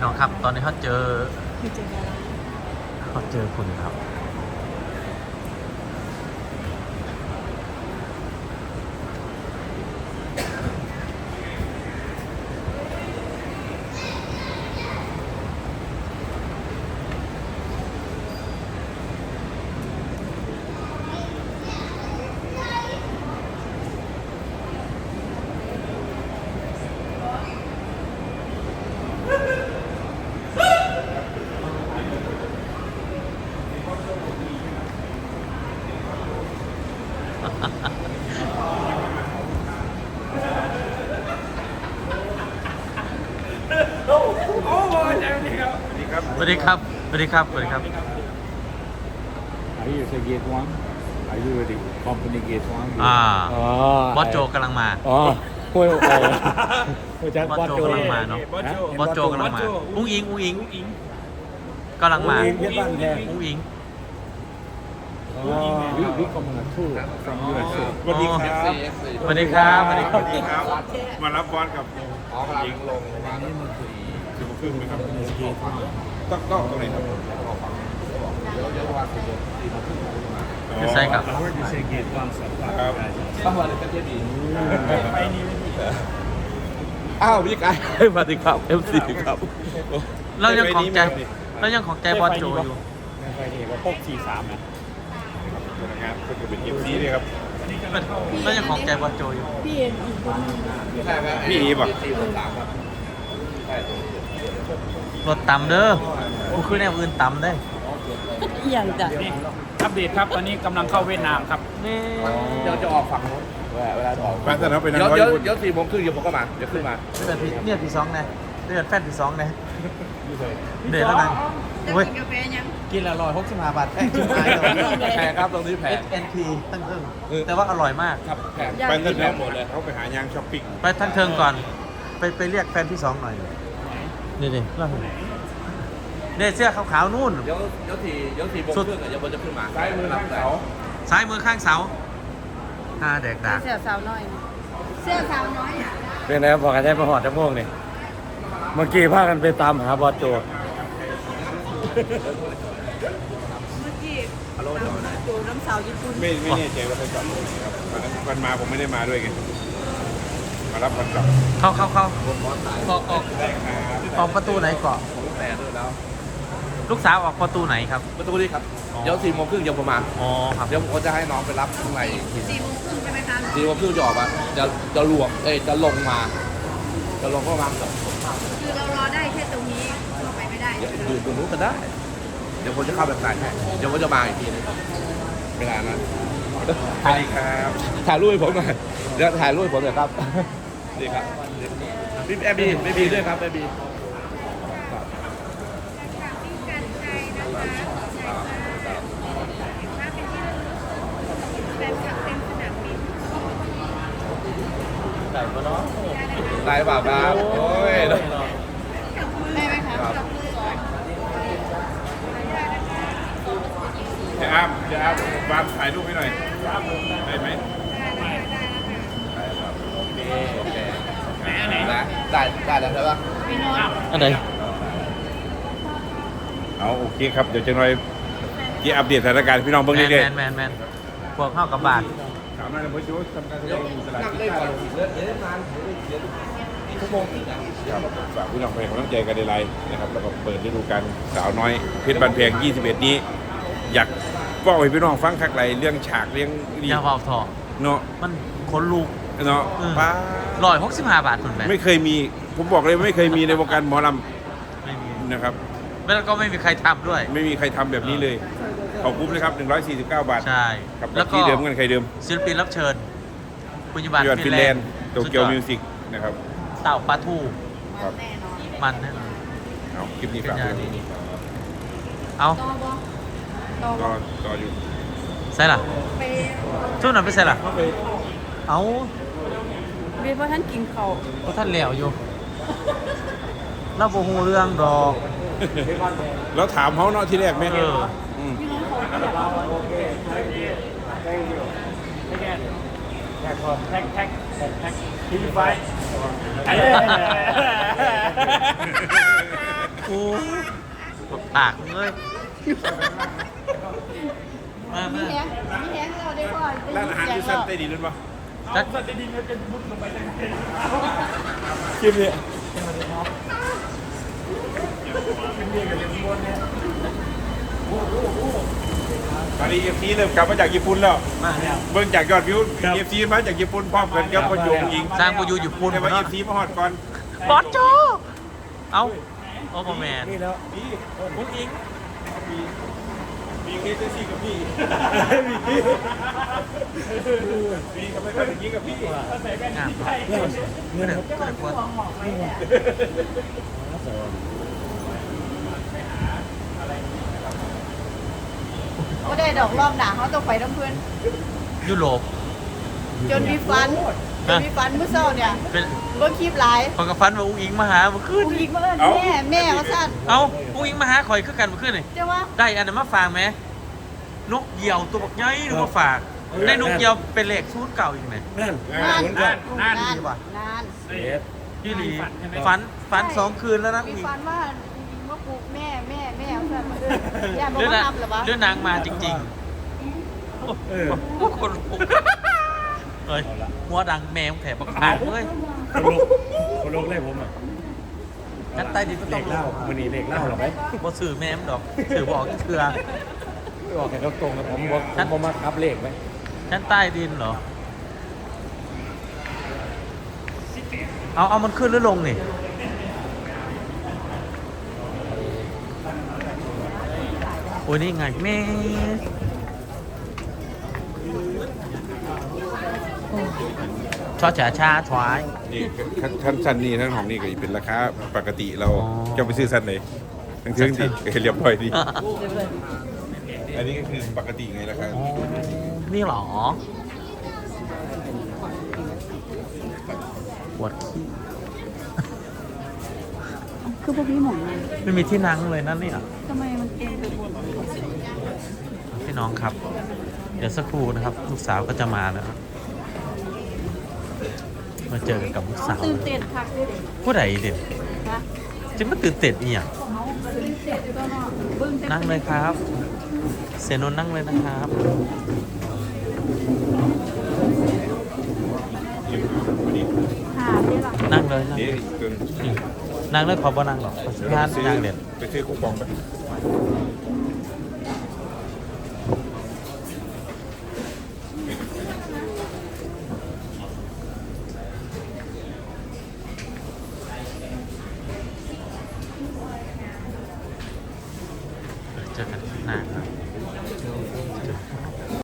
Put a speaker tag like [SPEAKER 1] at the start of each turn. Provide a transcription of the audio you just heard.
[SPEAKER 1] น้องครับตอนนี้เขาเจอคุณครับสวัสดีครับสวัสดีครับสวัสดีครับ
[SPEAKER 2] Are you the gate one? Are you the company gate one?
[SPEAKER 1] บอสโจกำลังมา
[SPEAKER 2] อ๋อพูดพูดจาก
[SPEAKER 1] บบ อ
[SPEAKER 2] อ
[SPEAKER 1] ส
[SPEAKER 2] ส
[SPEAKER 1] โจ
[SPEAKER 2] โจ
[SPEAKER 1] กำลังมาเนาะบอสโจกำลังมาอุ้งอิงกำลังมา
[SPEAKER 2] เพื่อนบ้านแท้
[SPEAKER 1] อุ้งอิง
[SPEAKER 2] วิคอมมาทู from USA
[SPEAKER 3] สวัสดีครับ
[SPEAKER 1] สวัสดีครับสวัสดีค
[SPEAKER 3] ส
[SPEAKER 1] รับ
[SPEAKER 3] วัสดีครับ มารับบอลกับยิงลงประมาณครึ่งไหมครับต้องตรงไหนครับ
[SPEAKER 1] คือใช่ครับ
[SPEAKER 2] You say gate one สัปดาห์
[SPEAKER 3] ครับ
[SPEAKER 4] อ้าวพี่กายสวัสดีครับ MC ครับ
[SPEAKER 1] เรายังของใจบอสโจอยู่
[SPEAKER 2] ไม่ค่อยดีว่าพก43นะ
[SPEAKER 3] นะครับก็คือเป็นเอฟซีเลยครับ
[SPEAKER 1] เรายังของใจบอสโจอยู่
[SPEAKER 5] พี่เอ็นอีกคนนึง
[SPEAKER 3] พี่อีป่ะ
[SPEAKER 1] รถต่ำเด้อกูคือแนวอื่นต่ำได้
[SPEAKER 5] อย่างจ้ะ
[SPEAKER 2] นี่อัปเดตครับตอนนี้กำลังเข้าเวียดนามครับ
[SPEAKER 1] นี่
[SPEAKER 4] เดี๋ยวจะออกฝั่งนู้นเวลาจะออก
[SPEAKER 3] แฟนสนามเป็นนัก
[SPEAKER 4] เดี๋ยว
[SPEAKER 3] ร้อย
[SPEAKER 4] เดี๋ยว
[SPEAKER 3] ญี่ปุ่น
[SPEAKER 4] เดี๋ยว4 โมงครึ่งเดี๋ยวผมก็มาเดี๋ยวขึ้นมา
[SPEAKER 1] เดือนที่สองนะเดือนแฟนที่สองนะเดือนแล้วนะ
[SPEAKER 5] จะ
[SPEAKER 1] เว้ย
[SPEAKER 5] กินกาแฟยัง
[SPEAKER 1] กินละ165 บาทแพงชิบหาย
[SPEAKER 4] แพงครับตรงนี้แพง
[SPEAKER 1] SNP ตั้งเทิงแต่ว่าอร่อยมาก
[SPEAKER 4] ครับแพง
[SPEAKER 3] แฟนสนามหมดเลยเขาไปหายางช้อปปิ้ง
[SPEAKER 1] ไปทั้งเทิงก่อน ไปเรียกแฟนที่สองหน่อยนี่เราเห็นเนี่ยเสื้อขาวๆนู่น
[SPEAKER 4] เดี๋ยว4 โมงครึ่งเดี๋ยวผมจะขึ้นมาซ้ายมือข้างเสา
[SPEAKER 1] ซ้ายมือข้างเสาแดกดาก
[SPEAKER 5] เสื้อสาวน้อยนะเสื้อสาวน้อยอ่ะ
[SPEAKER 2] เป็นไงบอกกันได้มาหอดจะม่วงนี่เมื่อกี้พากันไปตามหาบอสโจ
[SPEAKER 5] เมื่อกี้ดูน้ำสาวญี่ปุ่น
[SPEAKER 3] ไม่แน่ใจว่าเขาจอดตรงไหนครับวันมาผมไม่ได้มาด้วยไงมารับวันกลับ
[SPEAKER 1] เข้าออกประตูไหนก่อน
[SPEAKER 4] ผมแต่ด้วยแล้ว
[SPEAKER 1] ลูกสาวออกประตูไหนครับ
[SPEAKER 4] ประตูนี้ครับเดี๋ยว4 โมงครึ่งเดี๋ยวผมมา
[SPEAKER 1] อ๋อครับ
[SPEAKER 4] เดี๋ยวผมจะให้น้องไปรับข้างในอีกที
[SPEAKER 5] 4 โมงครึ่งใช่ไหมคะ
[SPEAKER 4] 4 โมงครึ่งจะออกมาจะลวกจะลงมาจะลงประมาณกับ
[SPEAKER 5] คือเรารอได้แค่ตรงนี้เข้าไปไม่ได้
[SPEAKER 4] เดี๋ยวอยู่ตรงนู้นก็ได้ เดี๋ยวผมจะเข้าแบบไหนให้เดี๋ยวผมจะมาอีกทีนึงเวลานั้น
[SPEAKER 3] สวัสดีครับ
[SPEAKER 4] ถ่ายรูปให้ผมหน่อยเดี๋ยวถ่ายรูปให้ผมหน่อยครับนี่ครับพี่แอบีไม่บีด้วยครับไม่บี
[SPEAKER 1] ไก่ปะเนาะ
[SPEAKER 4] ได้เปล่าครับโอ้ย
[SPEAKER 5] ได้ไหมคะจับมือก่อน
[SPEAKER 3] จะอ้ามวางถ่ายรูปให้หน่อยได้ไหม
[SPEAKER 4] โอเคนะได้แล้วใช่ปะ
[SPEAKER 5] พี่น้อง
[SPEAKER 1] อันไหน
[SPEAKER 3] เอาโอเคครับเดี๋ยวจะหน่อยที่อัปเดตสถานการณ์พี่น้องเบิ่งเรื่อย
[SPEAKER 1] แมนพวกเข้ากับบาท
[SPEAKER 3] ๆถามหน่อยนะพ่อโจ้ทำการแสดงอยู่ตลาด
[SPEAKER 4] นั่ง
[SPEAKER 3] ที่
[SPEAKER 4] เล่น
[SPEAKER 3] ท่า
[SPEAKER 4] ก่อน
[SPEAKER 3] เรือ
[SPEAKER 4] เดี๋ยวนานชั่วโมงอีกอ่ะ
[SPEAKER 3] ครับฝากพี่น้องไปให้กำลังใจกันในไลน์นะครับแล้วก็เปิดฤดูกาลสาวน้อยเพชรบันเพง21 นี้ อยากบอกให้พี่น้องฟังคักไรเรื่องฉากเรื่องดี
[SPEAKER 1] ยาเบาทอ
[SPEAKER 3] เนาะ
[SPEAKER 1] มันขนลูก
[SPEAKER 3] เนาะป้า
[SPEAKER 1] 165 บาทคุณแม่
[SPEAKER 3] ไม่เคยมีผมบอกเลยไม่เคยมีในวงการหมอล
[SPEAKER 1] ไม่มี
[SPEAKER 3] ำนะครับ
[SPEAKER 1] แล้วก็ไม่มีใครทำด้วย
[SPEAKER 3] ไม่มีใครทำแบบนี้เลยขอบคุณนะครับ149 บาท
[SPEAKER 1] ใช่
[SPEAKER 3] กับ
[SPEAKER 1] แล้วก็
[SPEAKER 3] ที่เดิมกันใครเดิม
[SPEAKER 1] ศิลปินรับเชิญคุณยบัน
[SPEAKER 3] ยอดฟินแลนด์โตเกียว
[SPEAKER 1] สุดยอด
[SPEAKER 3] มิวสิกนะครับ
[SPEAKER 1] เต่าปลาทู
[SPEAKER 3] ครับ
[SPEAKER 5] แน่นอน
[SPEAKER 1] มันแน่นอน
[SPEAKER 3] เอาคลิปนี้
[SPEAKER 1] เป็น
[SPEAKER 3] ฝาก
[SPEAKER 1] ยา
[SPEAKER 3] ไว้
[SPEAKER 1] ดีเอา
[SPEAKER 5] ต่อบอต่อ
[SPEAKER 3] ก็ต่ออยู่
[SPEAKER 1] ใส่ล่ะ
[SPEAKER 5] ไป
[SPEAKER 1] ช่วงนั้นไปใส่ล่ะเอา
[SPEAKER 5] เรียนว่าท่านกินเขา
[SPEAKER 1] เพราะท่านเหลวอยู่เราบ่ฮู้เรื่องดอก
[SPEAKER 3] แล้วถามเขาเนาะที่แรกไหม
[SPEAKER 1] เออ
[SPEAKER 3] ม
[SPEAKER 5] พี่น้องเขาอยากเอา
[SPEAKER 2] แท็กพอแท็กทีไฟ
[SPEAKER 1] ปากเลยมา
[SPEAKER 5] มีแฮงเราได้ก่อน
[SPEAKER 3] ร้านอาหารที่สั้นใต้ดินนั่นปะ
[SPEAKER 1] จัก
[SPEAKER 3] คลิปนี้ตอนนี้เอฟซีเริ่มกลับมาจากญี่ปุ่นแล้ว
[SPEAKER 1] มาแล้ว
[SPEAKER 3] เบิ่งจากยอดวิวเอฟซีมาจากญี่ปุ่นพร้อมกันกับพ่อโยงยิง
[SPEAKER 1] สร้างกูอยู่ญี่ปุ่น
[SPEAKER 3] แต่ว่าเอ
[SPEAKER 1] เนาะ
[SPEAKER 3] ฟซีมาฮอดก่อน
[SPEAKER 1] บอสโจเอาโอ้โหแมน
[SPEAKER 3] นี่แล้วพี่
[SPEAKER 1] อุ้งอิง
[SPEAKER 3] มีเคสซี่กับพี่มีทำไมเป็นอย่างนี้กับพี่
[SPEAKER 1] งามเมื่อเดือนกว่า
[SPEAKER 5] ก็ได้ดอกรอบหนาเขาต้องไปน้ำเพื่อน
[SPEAKER 1] ยุโรป
[SPEAKER 5] จนมีฟันเมื่อเช้าเนี่ย
[SPEAKER 1] เป็น
[SPEAKER 5] เบิ่งคลิปหลาย
[SPEAKER 1] พอกระฟันว่าอุ้งอิงมาหาเมื่อคืน
[SPEAKER 5] ผู้หญิงมาเอิ้นแม่ว่าซั่น
[SPEAKER 1] เอาอุ้งอิงมาหาข่อยคือกันเมื่อคืนนี่
[SPEAKER 5] เจ้าว่า
[SPEAKER 1] ได้อันนั้นมาฝากไหมนกเหยี่ยวตัวบักใหญ่หรือมาฝากได้นกเหยี่ยวเป็นเหล็กซูดเก่าอีกไหม
[SPEAKER 3] นั่น
[SPEAKER 5] นาน
[SPEAKER 1] พี่หลีฝัน2 คืนแล้วนะ
[SPEAKER 5] มี
[SPEAKER 1] อุ้งอิง
[SPEAKER 5] ฟันว่าปลูกแม่ว่าซั่นมาเอิ้นย่าบ่
[SPEAKER 1] เรื่อง
[SPEAKER 5] มา
[SPEAKER 1] นะ
[SPEAKER 5] ทำหรอวะ
[SPEAKER 1] เรื่องนางมาจริงๆโอ้คนลุกเฮ้ยหัวดังแมวแถบบักขาดเว้ย
[SPEAKER 4] คนลงเลยผมอ่ะ
[SPEAKER 1] งั้นใต้ดินก็ต้อง
[SPEAKER 4] เล่ามันนี่เด็กเล่าหรอไหม
[SPEAKER 1] บ่สื่อแม่มดอกสื่อบอกเถื่อ
[SPEAKER 4] บอกแค่ตรงๆนะผมมาคับเลขไหม
[SPEAKER 1] ชั้นใต้ดินเหรอ เอามันขึ้นหรือลงนี่โอ้ยนี่ไงแม่ชอจ๋าชาถวาย
[SPEAKER 3] นี่ขั้นสั้นนี่ทั้งของนี่ก็เป็นราคาปกติเรา
[SPEAKER 1] อ๋อ
[SPEAKER 3] จะไปซื้อสั้นเลยทั้งเทิงดิเรียบร้อยดีอันนี้ก็คือปกติไงราคา
[SPEAKER 1] อ๋อนี่เหรอปวดขี้
[SPEAKER 5] คือพวกพี่หมองเลย
[SPEAKER 1] ไม่มีที่นั่งเลยนั่นนี่อ่ะ
[SPEAKER 5] ทำไมมันเต็มไปหมด
[SPEAKER 1] พี่น้องครับ เดี๋ยวสักครู่นะครับ ลูกสาวก็จะมาแล้วครับมาเจอกับลูกสาว
[SPEAKER 5] ตื่นเต้นคักเลย
[SPEAKER 1] ผู้ใดเด็ด
[SPEAKER 5] นะ
[SPEAKER 1] จะมาตื่นเต้นอีหยัง
[SPEAKER 5] ตื่นเต้นก็เนาะเบิ่งแต่
[SPEAKER 1] นั่งเลยครับ เสนนนั่งเลยนะครับ
[SPEAKER 5] หาได้ล่ะ
[SPEAKER 1] นั่งเลยนั่ง
[SPEAKER 3] นี่
[SPEAKER 1] เลย
[SPEAKER 3] จน
[SPEAKER 1] นั่งเลยขอบ่นั่งหรอกงานนั่งเด่น
[SPEAKER 3] ไปซื้อคูปองไป
[SPEAKER 1] เจอกันที่หน้าครับ